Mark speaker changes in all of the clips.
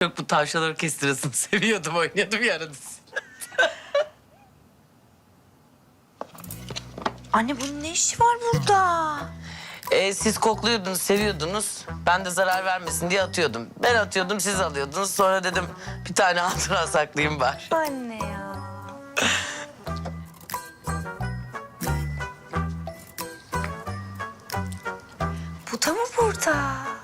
Speaker 1: hep bu tavşan orkestrasını seviyordum, oynuyordum ya arada.
Speaker 2: Anne bunun ne işi var burada?
Speaker 1: Siz kokluyordunuz, seviyordunuz. Ben de zarar vermesin diye atıyordum. Ben atıyordum, siz alıyordunuz. Sonra dedim bir tane hatıra saklayayım bari.
Speaker 2: Anne ya. Bu da mı burada?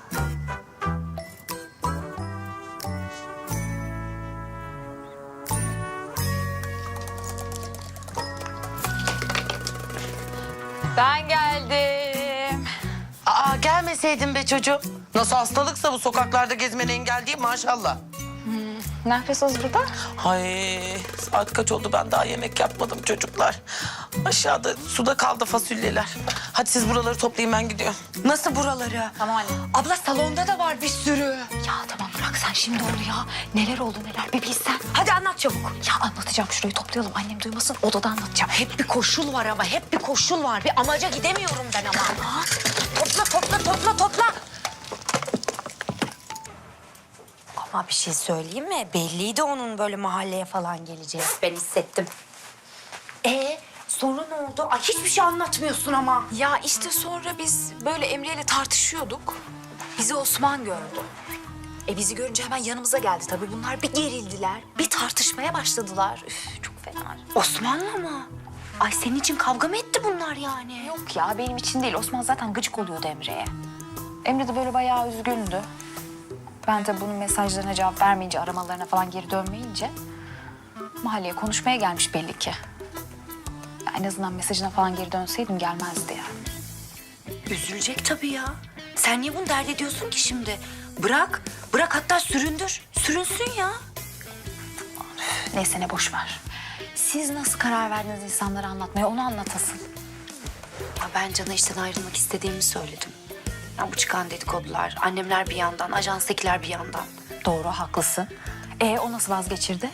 Speaker 3: Ben geldim.
Speaker 1: Aa, gelmeseydin be çocuğum. Nasıl hastalıksa bu sokaklarda gezmene engel değil maşallah.
Speaker 3: Ne yapıyorsunuz burada?
Speaker 1: Ay, saat kaç oldu, ben daha yemek yapmadım çocuklar. Aşağıda suda kaldı fasulyeler. Hadi siz buraları toplayın, ben gidiyorum.
Speaker 2: Nasıl buraları?
Speaker 3: Tamam anne.
Speaker 2: Abla salonda da var bir sürü.
Speaker 3: Ya tamam bırak sen şimdi onu ya. Neler oldu neler bir bilsen.
Speaker 2: Hadi anlat çabuk.
Speaker 3: Ya anlatacağım, şurayı toplayalım, annem duymasın, odada anlatacağım.
Speaker 2: Hep bir koşul var ama hep bir koşul var. Bir amaca gidemiyorum ben ama. Ha? Topla. Ama bir şey söyleyeyim mi? Belliydi onun böyle mahalleye falan geleceği. Ben hissettim. Sonra ne oldu? Ay hiçbir şey anlatmıyorsun ama.
Speaker 3: Ya işte sonra biz böyle Emre ile tartışıyorduk. Bizi Osman gördü. Bizi görünce hemen yanımıza geldi tabii. Bunlar bir gerildiler, bir tartışmaya başladılar. Üf, çok fena.
Speaker 2: Osman'la mı? Ay senin için kavga mı etti bunlar yani?
Speaker 3: Yok ya benim için değil. Osman zaten gıcık oluyordu Emre'ye. Emre de böyle bayağı üzgündü. Ben de bunun mesajlarına cevap vermeyince, aramalarına falan geri dönmeyince mahalleye konuşmaya gelmiş belli ki. Ya en azından mesajına falan geri dönseydim gelmezdi yani.
Speaker 2: Üzülecek tabii ya. Sen niye bunu dert ediyorsun ki şimdi? Bırak hatta süründür. Sürünsün ya.
Speaker 3: Neyse ne boş ver. Siz nasıl karar verdiniz insanlara anlatmaya, onu anlat asıl.
Speaker 2: Ya ben Can'a işten ayrılmak istediğimi söyledim. Ya bu çıkan dedikodular, annemler bir yandan, ajanstakiler bir yandan.
Speaker 3: Doğru, haklısın. O nasıl vazgeçirdi?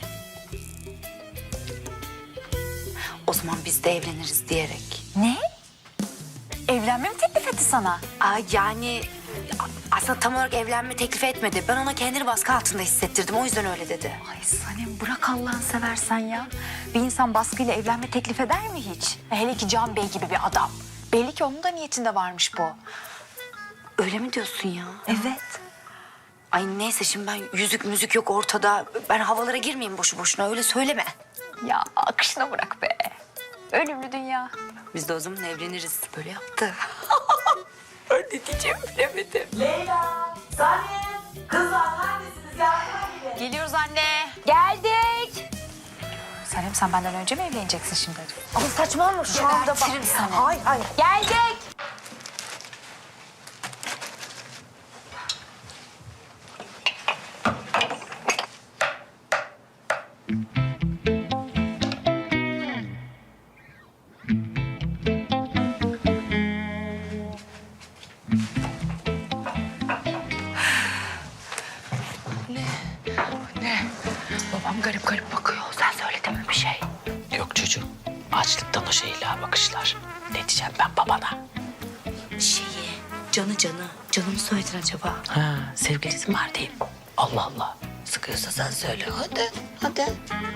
Speaker 2: O zaman biz de evleniriz diyerek.
Speaker 3: Ne? Evlenme mi teklif etti sana?
Speaker 2: Yani aslında tam olarak evlenme teklif etmedi. Ben ona kendini baskı altında hissettirdim. O yüzden öyle dedi.
Speaker 3: Ay Sanem bırak Allah'ını seversen ya. Bir insan baskıyla evlenme teklif eder mi hiç? Hele ki Can Bey gibi bir adam. Belli ki onun da niyetinde varmış bu.
Speaker 2: Öyle mi diyorsun ya?
Speaker 3: Evet.
Speaker 2: Ay neyse şimdi ben yüzük müzik yok ortada. Ben havalara girmeyeyim boşu boşuna öyle söyleme.
Speaker 3: Ya akışına bırak be. Ölümlü dünya.
Speaker 2: Biz de o zaman evleniriz. Böyle yaptı.
Speaker 3: Ben ne diyeceğimi bilemedim.
Speaker 4: Leyla, Sanem, kızlar neredesiniz? Yardıma gidin.
Speaker 3: Geliyoruz anne. Geldik. Sanem sen benden önce mi evleneceksin şimdi?
Speaker 2: Ama saçmalama şu anda bak.
Speaker 3: Gebertirim seni.
Speaker 2: Hayır.
Speaker 3: Geldik.
Speaker 2: Babam garip garip bakıyor. Sen söyledin mi bir şey?
Speaker 1: Yok çocuğum, açlıktan o şeyler bakışlar. Ne diyeceğim ben babana?
Speaker 2: Canı mı söyledin acaba?
Speaker 1: Ha, sevgilisi mi var diyeyim. Allah Allah, sıkıyorsa sen söyle. Hadi.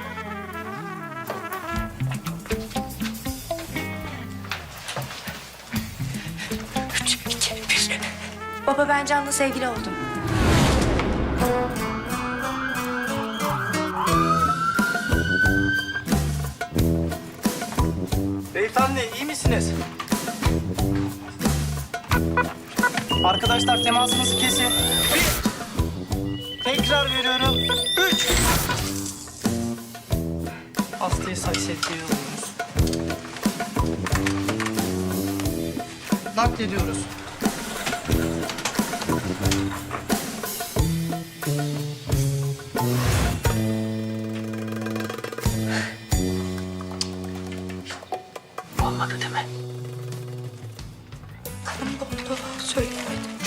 Speaker 2: Üç, iki, bir. Baba ben Can'la sevgili oldum.
Speaker 5: Beyefendi iyi misiniz? Arkadaşlar temasınızı kesin. Bir. Tekrar veriyorum. 3. Hastayı saksetliğe alıyoruz. Naklediyoruz.
Speaker 1: Olmadı değil mi?
Speaker 2: Söyleyemedim.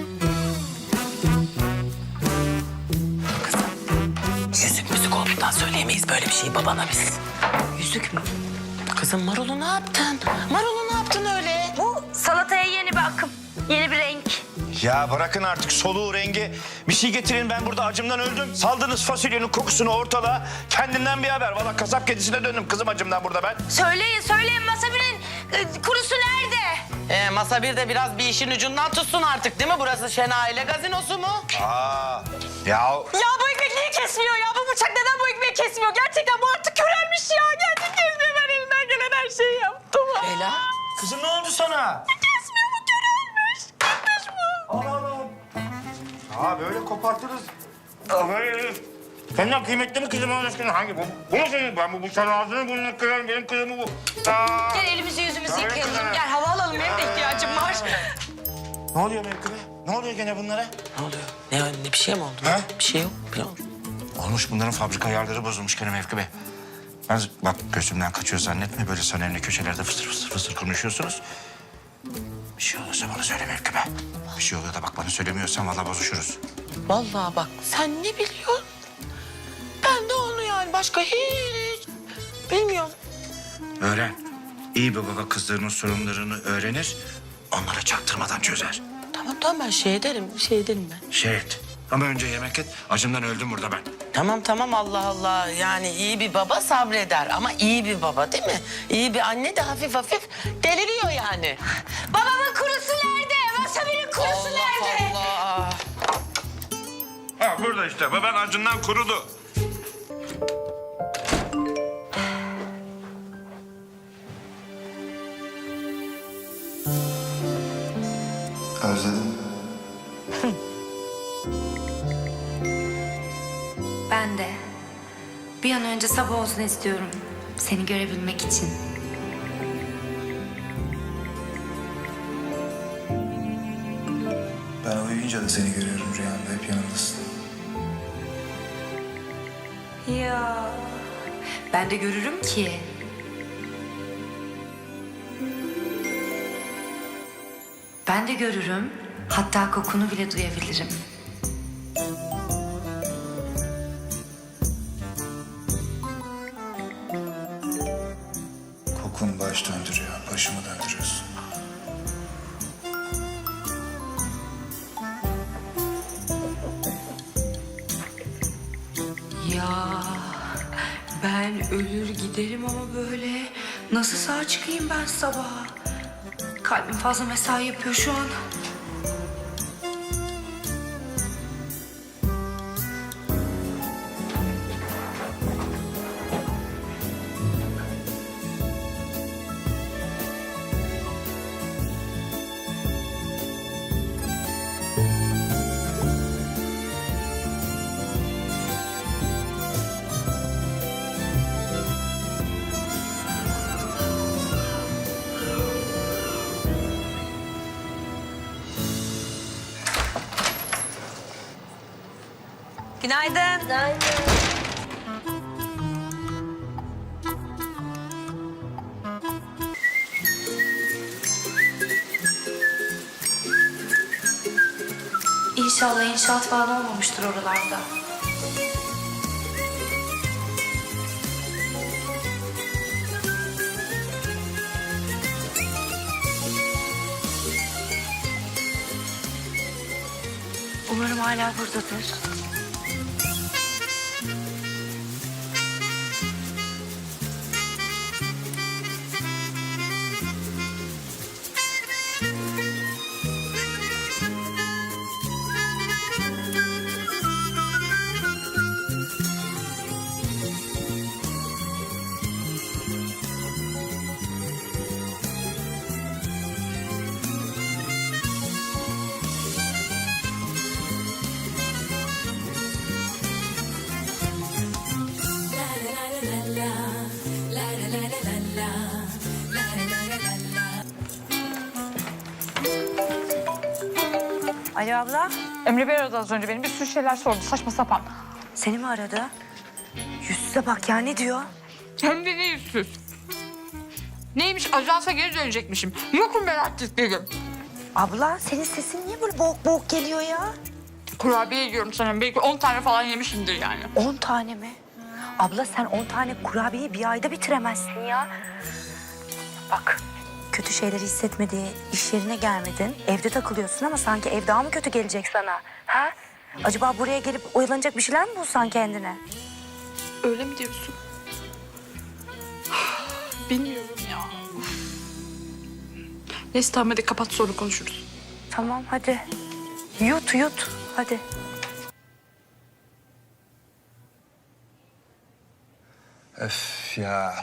Speaker 1: Yüzük müzik olduğundan söyleyemeyiz böyle bir şeyi babana biz.
Speaker 2: Yüzük mü?
Speaker 1: Kızım Marul'u ne yaptın? Marul'u ne yaptın öyle?
Speaker 2: Bu salataya yeni bir akım, yeni bir renk.
Speaker 6: Ya bırakın artık soluğu, rengi. Bir şey getirin, ben burada acımdan öldüm. Saldınız fasulyenin kokusunu ortalığa. Kendimden bir haber. Valla kasap kedisine döndüm kızım acımdan burada ben.
Speaker 2: Söyleyin Masabi'nin kurusu nerede?
Speaker 1: Masa bir de biraz bir işin ucundan tutsun artık değil mi? Burası Şen Aile Gazinosu mu?
Speaker 6: Ya
Speaker 4: Ya bu ekmek niye kesmiyor ya? Bu bıçak neden bu ekmeği kesmiyor? Gerçekten bu artık körelmiş ya. Gerçekten kesmiyor. Ben elimden gelen her şeyi yaptım.
Speaker 1: Ela.
Speaker 6: kızım ne oldu sana?
Speaker 4: Kesmiyor, bu körelmiş. Gitmiş bu.
Speaker 6: Allah Allah. Aa böyle kopartırız. Aa, böyle. Senden kıymetli mi kızım Allah aşkına? Hangi bu? Bu mu senin? Ben bu bıçağın ağzını burnunu kırarım. Benim kızım bu. Aa.
Speaker 4: Gel elimizi yüzümüzü
Speaker 6: Tabii
Speaker 4: yıkayalım.
Speaker 6: kızım.
Speaker 4: Gel hava alalım. Benim de ihtiyacım var.
Speaker 6: Ne oluyor Mevkime? Ne oluyor gene bunlara?
Speaker 1: Ne oluyor? Ne bir şey mi oldu?
Speaker 6: Ha?
Speaker 1: Bir şey yok. Bir oldu.
Speaker 6: Olmuş bunların fabrika ayarları bozulmuş gene Mevkime. Ben bak gözümden kaçıyor zannetme. Böyle önemli köşelerde fısır konuşuyorsunuz. Bir şey olursa bana söyle Mevkime. Bir şey oluyor da bak bana söylemiyorsan vallahi bozuşuruz.
Speaker 1: Vallahi bak sen ne biliyorsun? Ben de onu yani başka hiç bilmiyorum.
Speaker 6: Öğren. İyi bir baba kızlarının sorunlarını öğrenir. Onlara çaktırmadan çözer.
Speaker 1: Tamam ben şey ederim ben.
Speaker 6: Şey et. Ama önce yemek et. Acımdan öldüm burada ben.
Speaker 1: Tamam Allah Allah. Yani iyi bir baba sabreder ama iyi bir baba değil mi? İyi bir anne de hafif deliriyor yani.
Speaker 4: Babamın kurusu nerede? Masabi'nin kurusu nerede?
Speaker 1: Allah.
Speaker 6: Ha burada işte. Baban acından kurudu.
Speaker 7: Özledim.
Speaker 2: Ben de. Bir an önce sabah olsun istiyorum. Seni görebilmek için.
Speaker 7: Ben uyuyunca da seni görüyorum rüyamda. Hep yanımdasın.
Speaker 2: Ya. Ben de görürüm ki. Ben de görürüm. Hatta kokunu bile duyabilirim.
Speaker 7: Kokun baş döndürüyor. Başımı döndürüyorsun.
Speaker 2: Ya ben ölür giderim ama böyle nasıl sağ çıkayım ben sabaha? Kalbim fazla mesai yapıyor şu an.
Speaker 4: Günaydın.
Speaker 2: İnşallah inşaat falan olmamıştır oralarda. Umarım hala buradadır.
Speaker 8: Alo abla,
Speaker 3: Emre Bey aradı az önce beni. Bir sürü şeyler sordu saçma sapan.
Speaker 8: seni mi aradı? Yüzsüze bak ya, ne diyor?
Speaker 3: Hem de ne yüzsüz. Neymiş ajansa geri dönecekmişim. Yokum ben artık dedim.
Speaker 8: Abla, senin sesin niye böyle boğuk boğuk geliyor ya?
Speaker 3: Kurabiye yiyorum sanırım. Belki 10 tane falan yemişimdir yani.
Speaker 8: 10 tane mi? Abla sen 10 tane kurabiyeyi bir ayda bitiremezsin ya. Bak, kötü şeyleri hissetmediği iş yerine gelmedin. Evde takılıyorsun ama sanki ev daha mı kötü gelecek sana? Ha? Acaba buraya gelip oyalanacak bir şeyler mi bulsan kendine?
Speaker 4: Öyle mi diyorsun? Bilmiyorum ya. Uf. Neyse tamam hadi kapat sonra konuşuruz.
Speaker 8: Tamam hadi. Yut yut hadi.
Speaker 7: Öf ya.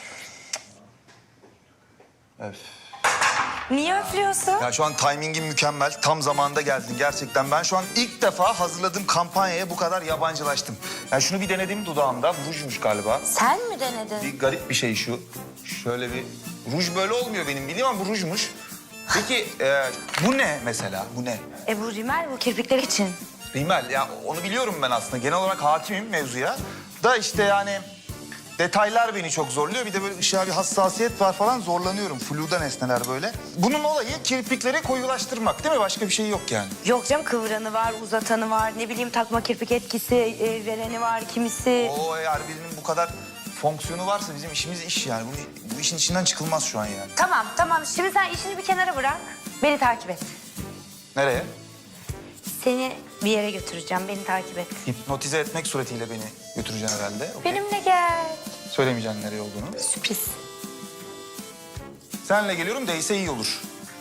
Speaker 7: Öf.
Speaker 8: Niye öflüyorsun?
Speaker 7: Ya şu an timingin mükemmel. Tam zamanında geldin gerçekten. Ben şu an ilk defa hazırladığım kampanyaya bu kadar yabancılaştım. Yani şunu bir denedim dudağımda. Rujmuş galiba.
Speaker 8: Sen mi denedin?
Speaker 7: Bir garip bir şey şu. Şöyle bir... Ruj böyle olmuyor benim bildiğim ama bu rujmuş. Peki bu ne mesela? Bu ne?
Speaker 8: Bu rimel bu kirpikler için.
Speaker 7: Rimel. Ya onu biliyorum ben aslında. Genel olarak hakimim mevzuya. Da işte yani... Detaylar beni çok zorluyor. Bir de böyle ışığa bir hassasiyet var falan. Zorlanıyorum. Flu'da nesneler böyle. Bunun olayı kirpikleri koyulaştırmak değil mi? Başka bir şey yok yani.
Speaker 8: Yok canım kıvıranı var, uzatanı var. Ne bileyim takma kirpik etkisi vereni var kimisi.
Speaker 7: O eğer birinin bu kadar fonksiyonu varsa bizim işimiz iş yani. Bu işin içinden çıkılmaz şu an yani.
Speaker 8: Tamam. Şimdi sen işini bir kenara bırak. Beni takip et.
Speaker 7: Nereye?
Speaker 8: Seni bir yere götüreceğim. Beni takip et.
Speaker 7: Hipnotize etmek suretiyle beni götüreceksin herhalde. Okey.
Speaker 8: Benimle gel.
Speaker 7: Söylemeyeceksin nereye olduğunu.
Speaker 8: Sürpriz.
Speaker 7: Senle geliyorum değse iyi olur.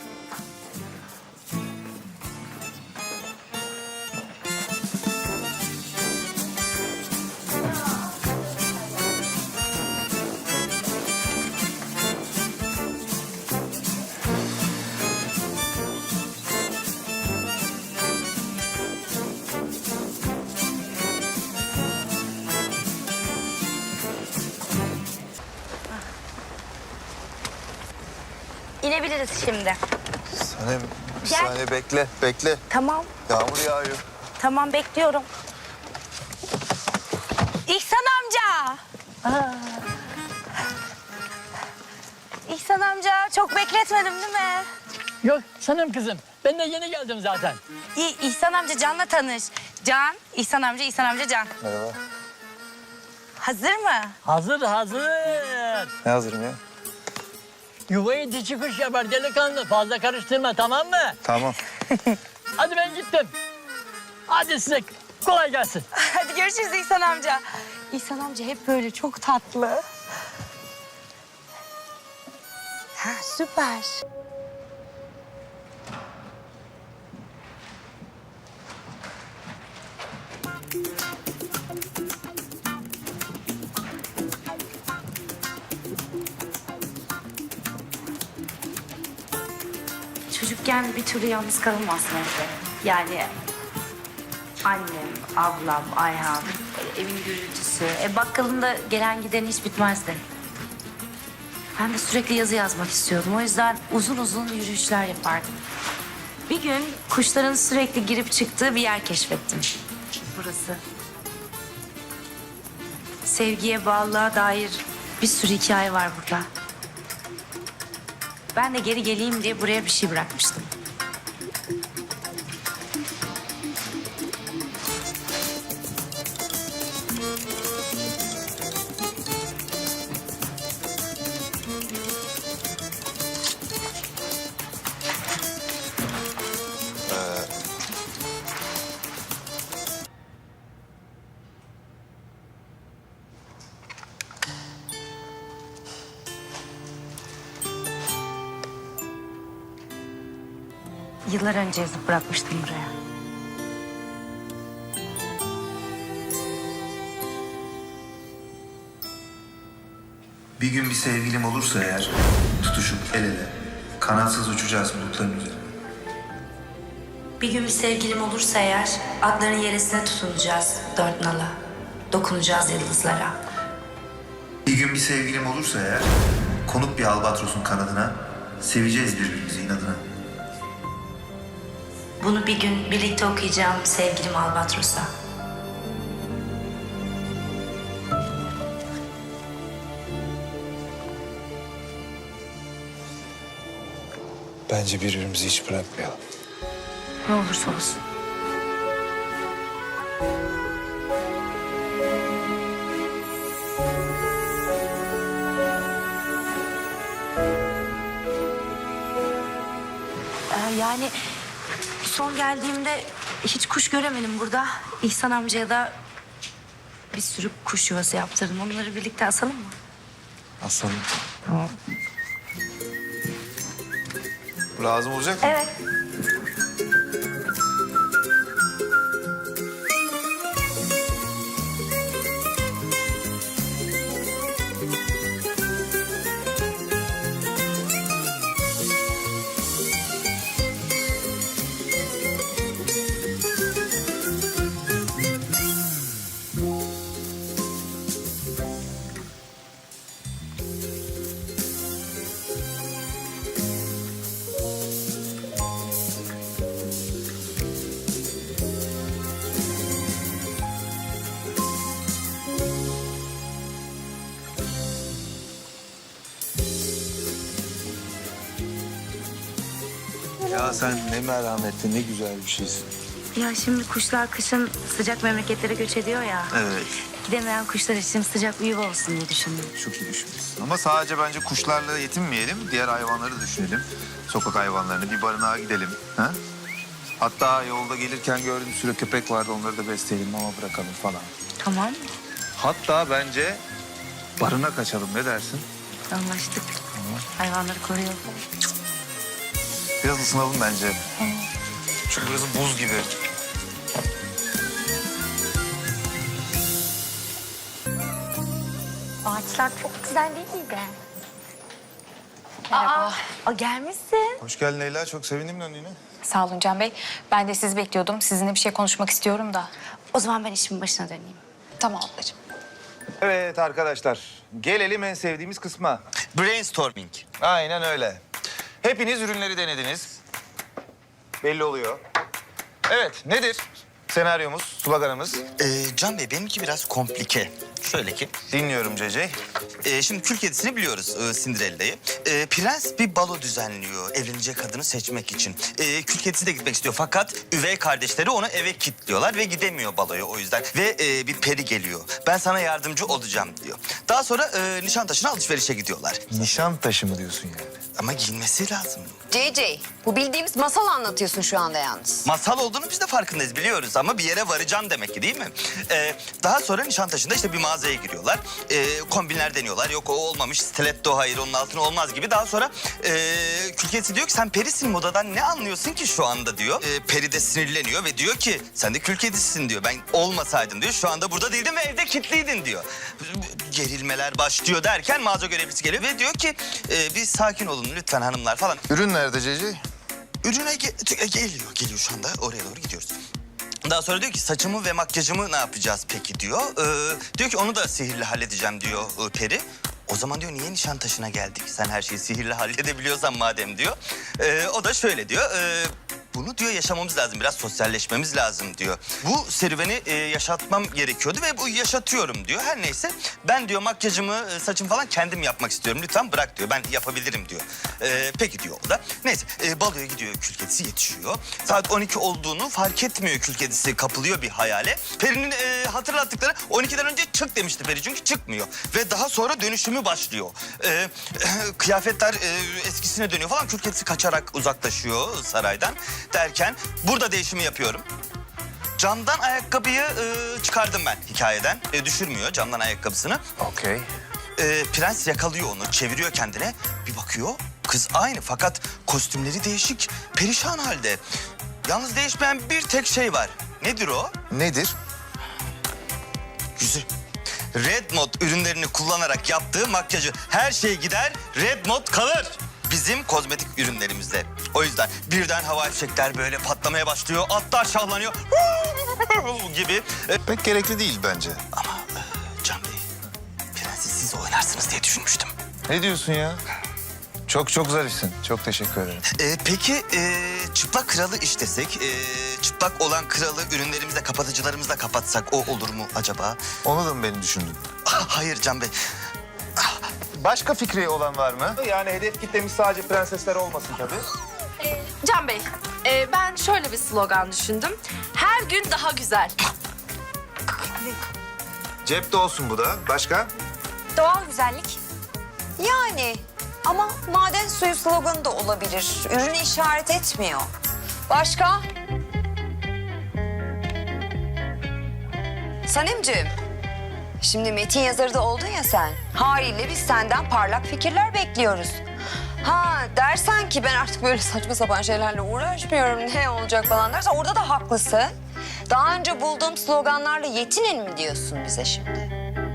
Speaker 8: İnebiliriz şimdi.
Speaker 7: Sanem bir
Speaker 8: Gel.
Speaker 7: saniye bekle.
Speaker 8: Tamam.
Speaker 7: Yağmur yağıyor.
Speaker 8: Tamam bekliyorum. İhsan amca. İhsan amca çok bekletmedim değil mi?
Speaker 9: Yok sanırım kızım. Ben de yeni geldim zaten.
Speaker 8: İhsan amca Can'la tanış. Can, İhsan amca Can.
Speaker 7: Merhaba.
Speaker 8: Hazır mı?
Speaker 9: Hazır.
Speaker 7: Ne hazırım ya?
Speaker 9: Yuvayı dişi kuş yapar delikanlı. Fazla karıştırma tamam mı?
Speaker 7: Tamam.
Speaker 9: Hadi ben gittim. Hadi size kolay gelsin.
Speaker 8: Hadi görüşürüz İhsan amca. İhsan amca hep böyle çok tatlı. Ha süper. Çocukken bir türlü yalnız kalınmazsın evde. Yani annem, ablam, Ayhan, evin gürültüsü. Bakkalın da gelen giden hiç bitmezdi. Ben de sürekli yazı yazmak istiyordum. O yüzden uzun uzun yürüyüşler yapardım. Bir gün kuşların sürekli girip çıktığı bir yer keşfettim. Burası. Sevgiye, bağlılığa dair bir sürü hikaye var burada. Ben de geri geleyim diye buraya bir şey bırakmıştım. Yıllar önce yazıp bırakmıştım buraya.
Speaker 7: Bir gün bir sevgilim olursa eğer tutuşup el ele kanatsız uçacağız bulutların üzerine.
Speaker 8: Bir gün bir sevgilim olursa eğer atların yeresine tutunacağız dört nala. Dokunacağız yıldızlara.
Speaker 7: Bir gün bir sevgilim olursa eğer konup bir albatrosun kanadına seveceğiz birbirimizi inadına.
Speaker 8: Bunu bir gün birlikte okuyacağım sevgilim Albatros'a.
Speaker 7: Bence birbirimizi hiç bırakmayalım.
Speaker 8: Ne olursa olsun. Yani son geldiğimde hiç kuş göremedim burada. İhsan amcaya da bir sürü kuş yuvası yaptırdım. Onları birlikte asalım mı?
Speaker 7: Asalım. Lazım olacak mı?
Speaker 8: Evet.
Speaker 7: Ya sen ne merhametli, ne güzel bir şeysin.
Speaker 8: Ya şimdi kuşlar kışın sıcak memleketlere göç ediyor ya.
Speaker 7: Evet.
Speaker 8: Gidemeyen kuşlar için sıcak bir yuva olsun diye düşündüm.
Speaker 7: Çok iyi düşünmüşsün. Ama sadece bence kuşlarla yetinmeyelim. Diğer hayvanları düşünelim. Sokak hayvanlarını bir barınağa gidelim. Ha? Hatta yolda gelirken gördüm bir sürü köpek vardı. Onları da besleyelim, mama bırakalım falan.
Speaker 8: Tamam.
Speaker 7: Hatta bence barınak açalım. Ne dersin?
Speaker 8: Anlaştık. Hayvanları koruyalım.
Speaker 7: Biraz ısınalım bence. Çünkü burası buz gibi.
Speaker 8: Ağaçlar çok güzel değil miydi? Merhaba. Aa, gelmişsin.
Speaker 7: Hoş geldin Leyla. Çok sevindim döndüğüne.
Speaker 3: Sağ olun Can Bey. Ben de sizi bekliyordum. Sizinle bir şey konuşmak istiyorum da.
Speaker 8: O zaman ben işimin başına döneyim.
Speaker 3: Tamam ablacığım.
Speaker 7: Evet arkadaşlar. Gelelim en sevdiğimiz kısma.
Speaker 10: Brainstorming.
Speaker 7: Aynen öyle. Hepiniz ürünleri denediniz. Belli oluyor. Evet, nedir senaryomuz, sloganımız?
Speaker 10: Can Bey benimki biraz komplike. Şöyle ki,
Speaker 7: Dinliyorum Cece.
Speaker 10: şimdi kül kedisini biliyoruz, Cinderella'yı. Prens bir balo düzenliyor evlenecek kadını seçmek için. Kül kedisi de gitmek istiyor fakat üvey kardeşleri onu eve kilitliyorlar ve gidemiyor baloya o yüzden. Ve bir peri geliyor. Ben sana yardımcı olacağım diyor. Daha sonra Nişantaşı'na alışverişe gidiyorlar.
Speaker 7: Nişan taşı mı diyorsun yani?
Speaker 10: Ama giyinmesi lazım.
Speaker 11: JJ, bu bildiğimiz masal anlatıyorsun şu anda yalnız.
Speaker 10: Masal olduğunu biz de farkındayız biliyoruz ama bir yere varacağım demek ki değil mi? Daha sonra Nişantaşı'nda işte bir mağazaya giriyorlar. Kombinler deniyorlar. Yok o olmamış, stiletto hayır onun altına olmaz gibi. Daha sonra kül kedisi diyor ki sen perisin modadan ne anlıyorsun ki şu anda diyor. Peri de sinirleniyor ve diyor ki sen de kül kedisisin diyor. Ben olmasaydım diyor şu anda burada değildim ve evde kilitliydin diyor. Gerilmeler başlıyor derken mağaza görevlisi geliyor ve diyor ki bir sakin olun lütfen hanımlar falan.
Speaker 7: Ürün nerede Cece?
Speaker 10: Ürüne geliyor şu anda. Oraya doğru gidiyoruz. Daha sonra diyor ki saçımı ve makyajımı ne yapacağız peki diyor. Diyor ki onu da sihirle halledeceğim diyor peri. O zaman diyor niye Nişantaşı'na geldik? Sen her şeyi sihirle halledebiliyorsan madem diyor. O da şöyle diyor. Bunu diyor yaşamamız lazım, biraz sosyalleşmemiz lazım diyor. Bu serüveni yaşatmam gerekiyordu ve bu yaşatıyorum diyor. Her neyse ben diyor makyajımı, saçımı falan kendim yapmak istiyorum. Lütfen bırak diyor, ben yapabilirim diyor. Peki diyor o da. Neyse baloya gidiyor kül kedisi yetişiyor. Saat 12 olduğunu fark etmiyor kül kedisi, kapılıyor bir hayale. Peri'nin hatırlattıkları 12'den önce çık demişti Peri çünkü çıkmıyor. Ve daha sonra dönüşümü başlıyor. Kıyafetler eskisine dönüyor falan. Kül kedisi kaçarak uzaklaşıyor saraydan. Derken burada değişimi yapıyorum. Camdan ayakkabıyı çıkardım ben hikayeden. Düşürmüyor camdan ayakkabısını.
Speaker 7: Okey.
Speaker 10: Prens yakalıyor onu, çeviriyor kendine. Bir bakıyor, kız aynı fakat kostümleri değişik, perişan halde. Yalnız değişmeyen bir tek şey var. Nedir o?
Speaker 7: Nedir?
Speaker 10: Yüzü. Red Mod ürünlerini kullanarak yaptığı makyajı. Her şey gider, Red Mod kalır. Bizim kozmetik ürünlerimizde. O yüzden birden havai fişekler böyle patlamaya başlıyor. Atlar şahlanıyor gibi.
Speaker 7: Pek gerekli değil bence.
Speaker 10: Ama Can Bey, prensi siz oynarsınız diye düşünmüştüm.
Speaker 7: Ne diyorsun ya? Çok zarifsin. Çok teşekkür ederim.
Speaker 10: Peki çıplak kralı işlesek, çıplak olan kralı ürünlerimizle, kapatıcılarımızla kapatsak o olur mu acaba?
Speaker 7: Onu da mı beni düşündün?
Speaker 10: Hayır Can Bey.
Speaker 7: Başka fikri olan var mı? Yani hedef kitlemiz sadece prensesler olmasın tabii.
Speaker 4: Can Bey, ben şöyle bir slogan düşündüm. Her gün daha güzel.
Speaker 7: Cepte olsun bu da. Başka?
Speaker 3: Doğal güzellik.
Speaker 11: Yani Ama maden suyu sloganı da olabilir. Ürünü işaret etmiyor. Başka? Sanemciğim, şimdi metin yazarı da oldun ya sen. Haliyle biz senden parlak fikirler bekliyoruz. Ha dersen ki ben artık böyle saçma sapan şeylerle uğraşmıyorum, ne olacak falan dersen orada da haklısın. Daha önce bulduğum sloganlarla yetinin mi diyorsun bize şimdi?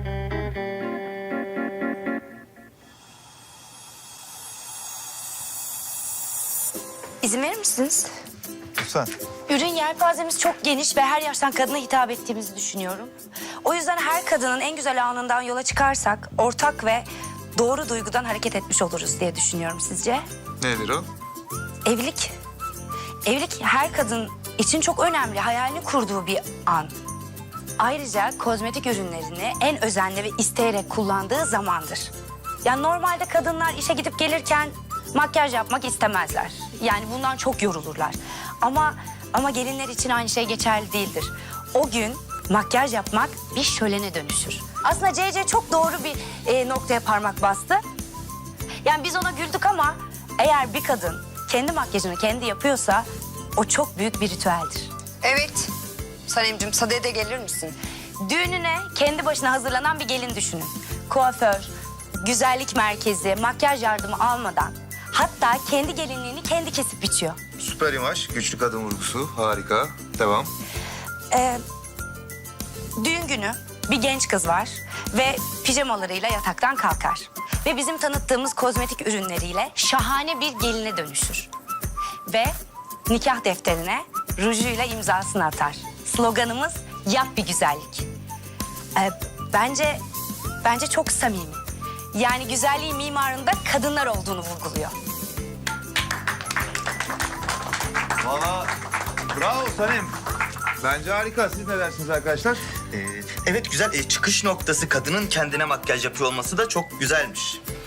Speaker 8: İzin verir misiniz?
Speaker 7: Lütfen.
Speaker 8: Ürün yelpazemiz çok geniş ve her yaştan kadına hitap ettiğimizi düşünüyorum. O yüzden her kadının en güzel anından yola çıkarsak ortak ve doğru duygudan hareket etmiş oluruz diye düşünüyorum sizce?
Speaker 7: Nedir o?
Speaker 8: Evlilik. Evlilik her kadın için çok önemli, hayalini kurduğu bir an. Ayrıca kozmetik ürünlerini en özenli ve isteyerek kullandığı zamandır. Yani normalde kadınlar işe gidip gelirken makyaj yapmak istemezler. Yani bundan çok yorulurlar. Ama gelinler için aynı şey geçerli değildir. O gün makyaj yapmak bir şölene dönüşür. Aslında CC çok doğru bir noktaya parmak bastı. Yani biz ona güldük ama eğer bir kadın kendi makyajını kendi yapıyorsa o çok büyük bir ritüeldir.
Speaker 11: Evet. Sanemciğim sadeye de gelir misin?
Speaker 8: Düğününe kendi başına hazırlanan bir gelin düşünün. Kuaför, güzellik merkezi, makyaj yardımı almadan hatta kendi gelinliğini kendi kesip biçiyor.
Speaker 7: Süper imaj, güçlü kadın vurgusu. Harika. Devam.
Speaker 8: Düğün günü bir genç kız var ve pijamalarıyla yataktan kalkar. Ve bizim tanıttığımız kozmetik ürünleriyle şahane bir geline dönüşür. Ve nikah defterine rujuyla imzasını atar. Sloganımız yap bir güzellik. Bence çok samimi. Yani güzelliğin mimarında kadınlar olduğunu vurguluyor.
Speaker 7: Valla bravo Sanem. Bence harika. Siz ne dersiniz arkadaşlar?
Speaker 10: Evet güzel. Çıkış noktası kadının kendine makyaj yapıyor olması da çok güzelmiş.